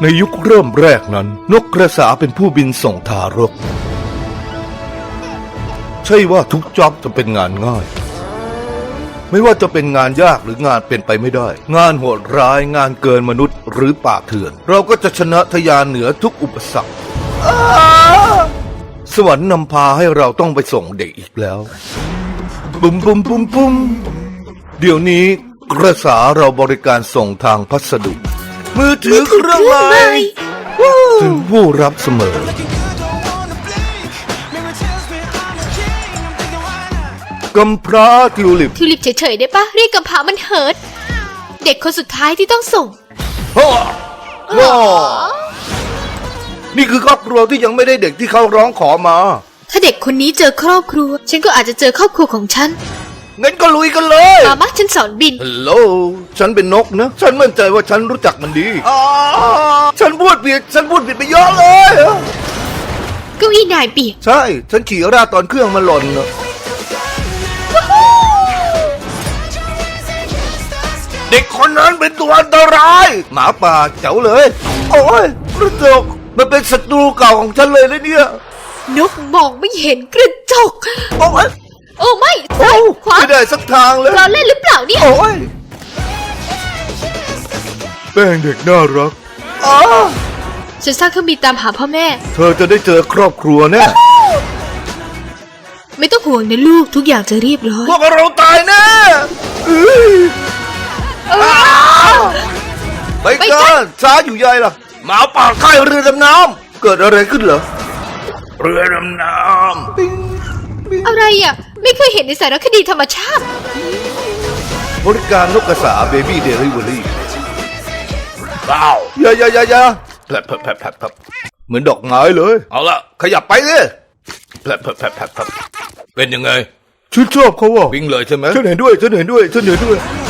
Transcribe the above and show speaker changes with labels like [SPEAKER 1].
[SPEAKER 1] ในยุคเริ่มแรกนั้นนกกระสาเป็นผู้บินส่งทารกใช่ว่าทุกจ็อบจะเป็นงานง่ายไม่ว่าจะเป็นงานยากหรืองานเป็นไปไม่ได้งานโหดร้ายงานเกินมนุษย์หรือป่าเถื่อนเราก็จะชนะทะยานเหนือทุกอุปสรรคสวรรค์นำพาให้เราต้องไปส่งเด็กอีกแล้วปุ้มปุ้มปุ้มปุ้มเดี๋ยวนี้กระสาเราบริการส่งทางพัสดุมือถือเครื่องใหม่ถึงผู้รับเสมอกำพร้าทิวลิป
[SPEAKER 2] ทิวลิปเฉยๆได้ปะเรียกกำพร้ามันเฮิร์ตเด็กคนสุดท้ายที่ต้องส่ง
[SPEAKER 1] ว้านี่คือครอบครัวที่ยังไม่ได้เด็กที่เขาร้องขอมา
[SPEAKER 2] ถ้าเด็กคนนี้เจอครอบครัวฉันก็อาจจะเจอครอบครัวของฉัน
[SPEAKER 1] งั้นก็ลุยกันเลย
[SPEAKER 2] มาฉันสอนบิน
[SPEAKER 1] ฮัลโหลฉันเป็นนกนะฉันมั่นใจว่าฉันรู้จักมันดีฉันพูดผิดไปเยอะเลย
[SPEAKER 2] เก้าอี้นายเปียก
[SPEAKER 1] ใช่ฉันขี่ราดตอนเครื่องมันหล่นนะเด็กคนนั้นเป็นตัวอันตรายหมาป่าเจ๋วเลยโอ้ยกระจกมันเป็นศัตรูเก่าของฉันเลยนะเนี่ย
[SPEAKER 2] นกมองไม่เห็นกระจก
[SPEAKER 1] โอ้ย
[SPEAKER 2] โอ้ไม่ซ้ายขวา
[SPEAKER 1] ไม่ได้สักทางเลย
[SPEAKER 2] เราเล่นหรือเปล่าเนี่ย
[SPEAKER 1] โอ้ยแป้งเด็กน่ารัก
[SPEAKER 2] ฉันสร้างเครื่องบินตามหาพ่อแม่
[SPEAKER 1] เธอจะได้เจอครอบครัวแน่
[SPEAKER 2] ไม่ต้องห่วงนะลูกทุกอย่างจะเรียบร้อย
[SPEAKER 1] พวกเราตายแน่ไปกันช้าอยู่ใหญ่ล่ะหมาป่าค่ายเรือดำน้ำเกิดอะไรขึ้นเหรอเรือดำน้ำ
[SPEAKER 2] อะไรอ่ะไม่เคยเห็นในสารคดีธรรมชาติ
[SPEAKER 1] บริการนกกระสาเบบี้เดลิเวอรี่ว้าวอย่าแผลบเหมือนดอกไม้เลยเอาละขยับไปเลยแผลบเป็นยังไงฉันชอบเขาว่ะวิ่งเลยใช่ไหมฉันเห็นด้วย